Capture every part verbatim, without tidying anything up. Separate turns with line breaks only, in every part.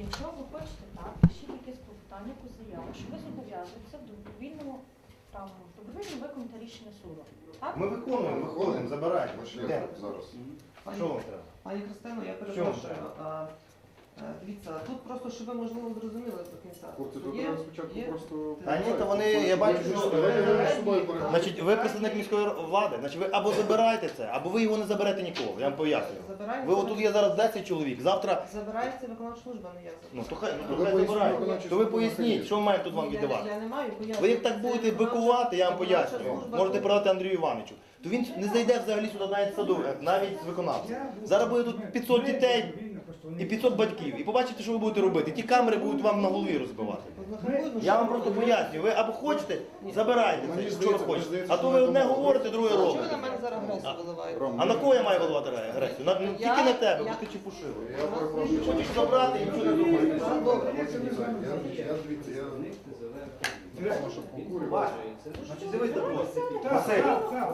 Якщо ви хочете так, пишіть якесь клопотання по заяву, що ви зобов'язуєтеся в добровільному правому добровільно виконати рішення суду. Так?
Ми виконуємо, виходимо, забираємо. Йдемо.
Зараз.
Що вам треба?
Пані Христино, я
Що
перепрошую.
вам
А, е, Дивіться, тут просто, щоб ви, можливо, зрозуміли до кінця.
Хлопці, тут
Є-
треба спочатку
є-
просто...
Та ні, то вони, я бачу, що значить, ви представник міської влади, значить ви або забираєте це, або ви його не заберете нікого, я вам пояснюю.
Забираємо.
Ви отут є зараз десять чоловік, завтра,
Забирається виконавча служба, не я.
ну то хай, ну,
Ви
хай
поясніть,
забирають.
виконавча
То ви
служба
поясніть,
накриє.
що ми маємо тут вам
Я-
віддавати.
Я не маю пояснення.
Ви як так
Це
будете
виконавча-
бикувати, я вам
виконавча
пояснюю.
служба
Можете
тут.
передати Андрію Івановичу. То він не зайде взагалі сюди навіть садовий, навіть з виконавцем. Зараз буде тут п'ятсот дітей і п'ятсот батьків. І побачите, що ви будете робити. Ті камери будуть вам на голові розбивати.
Ну,
Я вам
що
просто
ви
пояснюю, ви або хочете, забирайте
Мені
це, що ви
здається, мені
хочете.
здається,
А то
що
ви
ми
одне
домовились.
говорите, друге
Чого ви
робите.
на мене зараз агресію виливаєте?
Ром,
А на кого я маю виливати агресію? На, ну,
Я-
тільки на тебе,
я-
бо ти чепушило.
Я перепрошую.
Хочеш забрати і нічого не зробити.
Добре.
Я, я, дивіться, я... Тому що покурював.
Вася, значить, дивись до просто. Василь,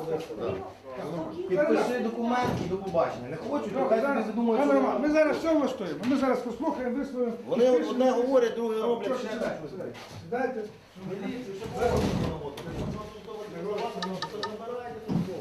підпиши документ і до побачення. Не хочуть, то хай собі задумають,
Пане Роман, ми
що
зараз все влаштуємо. Ми зараз послухаємо, висловимо.
вони
підпишемо.
одне говорять, друге роблять.
Трошки
ще
сідайте,
щось.
сідайте. Сідайте.
Міліцію, що можна роботу? Забирайте тут слово.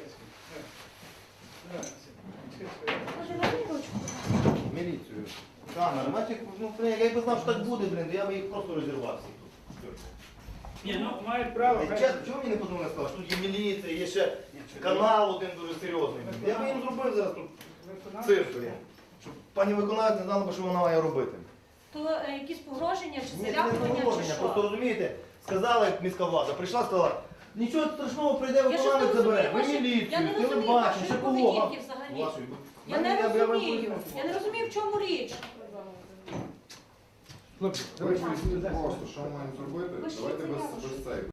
Може, на ручку?
Міліцію. Камера, бачите, ну, блін, я якби знав, що так буде, блін, то я би їх просто розірвав всіх тут.
Ні, ну мають право.
Е, Чесно, чому мені не подумали сказали, що тут є міліція, є ще канал один дуже серйозний. Я би їм зробив зараз тут цирк, блін. Щоб пані виконавець не знала, б, що вона має робити.
То е, якісь погроження чи
Ні, це не
залякування, чи
положення, просто
що?
розумієте, сказала як міська влада, прийшла, сказала, нічого страшного, прийде
Я щось не
виконавець забере, ви
розумію,
міліцію,
я не розумію
телебачення, ще
вашої
кого.
поведінки взагалі.
Вашої.
Я не
Мене- я- я вам
розумію.
поясню.
Я не розумію, в чому річ.
Ви поясніть просто, що ми маємо зробити.
Пишіть
Давайте без,
заяву,
без
що-
цей.